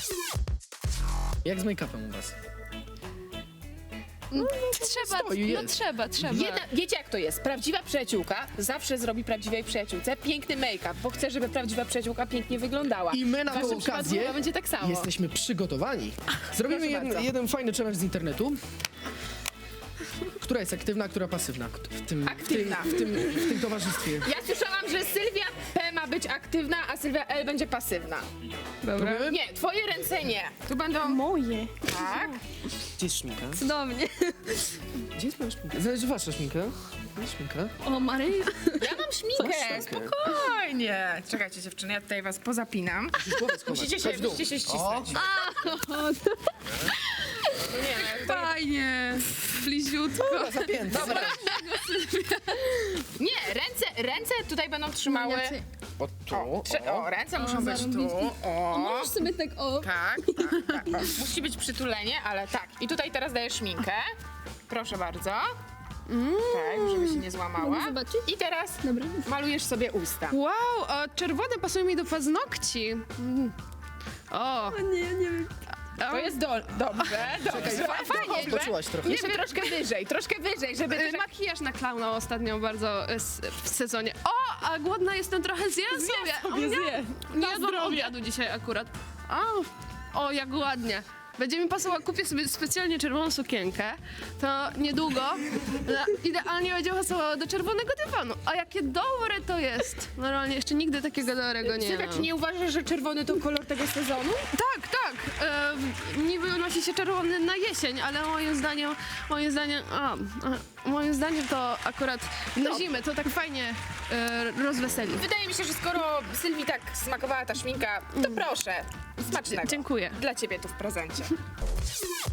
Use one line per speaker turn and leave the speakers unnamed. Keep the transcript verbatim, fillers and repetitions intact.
Jak z make-upem u was?
Trzeba,
Stoi,
no
jest.
trzeba, trzeba.
Jedna, wiecie jak to jest? Prawdziwa przyjaciółka zawsze zrobi prawdziwej przyjaciółce piękny make-up, bo chce, żeby prawdziwa przyjaciółka pięknie wyglądała.
I my na
W
tę
waszym przypadku
okazję
chyba będzie tak samo.
jesteśmy przygotowani. Zrobimy
Proszę
jeden,
bardzo.
jeden fajny challenge z internetu. Która jest aktywna, a która pasywna w tym,
Aktywna.
W tym, w tym, w tym towarzystwie.
Ja słyszałam, że Sylwia P ma być aktywna, a Sylwia L będzie pasywna.
Dobra.
Próbujemy?
Nie, twoje ręce nie. Tu będą...
Moje.
Tak.
Gdzie jest szminka?
Cudownie.
Gdzie jest moja szminka? Zależy wasza szminka. Gdzie jest szminka?
O, Maryja.
Ja mam śminkę, spokojnie. Czekajcie dziewczyny, ja tutaj was pozapinam.
Musisz głowę schować.
Musicie się,
Chodź w dół.
musicie się
O,
ścisnąć. No nie, no, to...
Fajnie. Bliziutko.
dobra, zapięta.
Dobra. Nie, ręce, ręce tutaj będą trzymały...
O,
O,
tu,
trze- o, ręce muszą być tu. O,
Możesz sobie tak o...
tak, tak, tak. O. Musi być przytulenie, ale tak. I tutaj teraz daję szminkę. Proszę bardzo. Tak, żeby się nie złamała.
Mogę zobaczyć?
I teraz
Dobra.
malujesz sobie usta.
Wow, o, czerwone pasują mi do paznokci. Mm. O,
Nie, nie wiem.
To jest do... dobrze, dobrze.
Czekaj,
Fajnie,
skoczyłaś trochę.
Jeszcze troszkę wyżej, troszkę wyżej, żeby...
y, makijaż na klauna ostatnio bardzo y, s- w sezonie. O, a głodna jestem trochę, zjem sobie. O, nie, nie jadłam obiadu dzisiaj akurat. O, o, jak ładnie. Będzie mi pasować, kupię sobie specjalnie czerwoną sukienkę, to niedługo no, idealnie będzie pasowało do czerwonego dywanu. A jakie dobre to jest! Normalnie jeszcze nigdy takiego dobrego nie
Sylwia,
mam.
czy nie uważasz, że czerwony to kolor tego sezonu?
Tak, tak. E, niby nosi się czerwony na jesień, ale moim zdaniem, moim zdaniem, a, a, moim zdaniem to akurat na zimę to tak fajnie e, rozweseli.
Wydaje mi się, że skoro Sylwii tak smakowała ta szminka, to proszę, smacznego.
Dziękuję.
Dla ciebie tu w prezencie.